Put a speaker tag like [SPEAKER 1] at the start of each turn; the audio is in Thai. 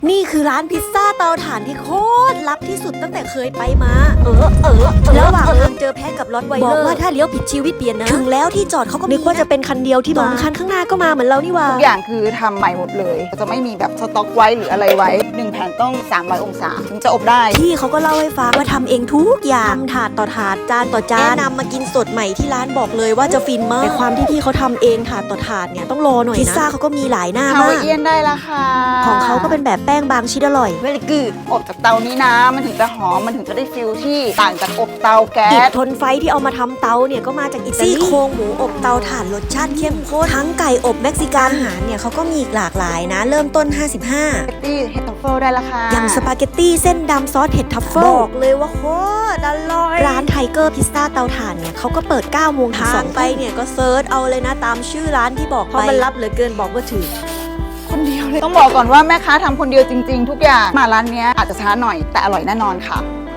[SPEAKER 1] นี่คือร้านพิซซ่าเตาถ่านที่โคตรลับที่สุดตั้งแต่เคยไปมาระหว่างทางเจอแพะกับรถไวเลอร์บอกว่าถ้าเลี้ยวผิดชีวิตเปลี่ยนนะถึงแล้วที่จอดเขาก็นึกว่าจะเป็นคันเดียวที่2คันข้างหน้าก็มาเหมือนเรานี่ว่า
[SPEAKER 2] ทุกอย่างคือทำใหม่หมดเลยจะไม่มีแบบสต็อกไว้หรืออะไรไว้1แผ่นต้อง300องศาถึงจะอบได้
[SPEAKER 1] พี่เขาก็เล่าให้ฟังว่าทำเองทุกอย่างถาดต่อถาดจานต่อจานแนะนำมากินสดใหม่ที่ร้านบอกเลยว่าจะฟินมากแต่ความที่พี่เขาทำเองถาดต่อถาดเนี่ยต้องรอหน่อยนะพิซซ่าเขาก็มีหลายหน้ามาก
[SPEAKER 2] ฮาวายเอียนได้ละค่ะ
[SPEAKER 1] ของเขาก็เป็นแบบแป้งบางชิ้นอร่อย
[SPEAKER 2] เวลิกูดอบจากเตานี้นะมันถึงจะหอมมันถึงจะได้ฟิลที่ต่างจากอบเตาแก๊
[SPEAKER 1] อิฐ
[SPEAKER 2] ส
[SPEAKER 1] ทนไฟที่เอามาทำเตาเนี่ยก็มาจากอิตาลีซี่โครงหมูอบเตาถ่านรสชาติเข้มข้นทั้งไก่อบเม็กซิกันอาหารเนี่ยเขาก็มีอีกหลากหลายนะเริ่มต้น55
[SPEAKER 2] สปาเกตตี้เฮดทัฟเฟิลได้ละค่ะ
[SPEAKER 1] อย่างสปาเกตตี้เส้นดำซอสเห็ดทัฟเฟิลบอกเลยว่าโคตรอร่อยร้านไทเกอร์พิซซ่าเตาถ่านเนี่ยเขาก็เปิด9 โมงถึง2 ไปเนี่ยก็เซิร์ชเอาเลยนะตามชื่อร้านที่บอกไปเพราะมันลับเหลือเกินบอกว่าถือ
[SPEAKER 2] คนเดียวเลยต้องบอกก่อนว่าแม่ค้าทำคนเดียวจริงๆทุกอย่างมาร้านนี้อาจจะช้าหน่อยแต่อร่อยแน่นอนค่ะ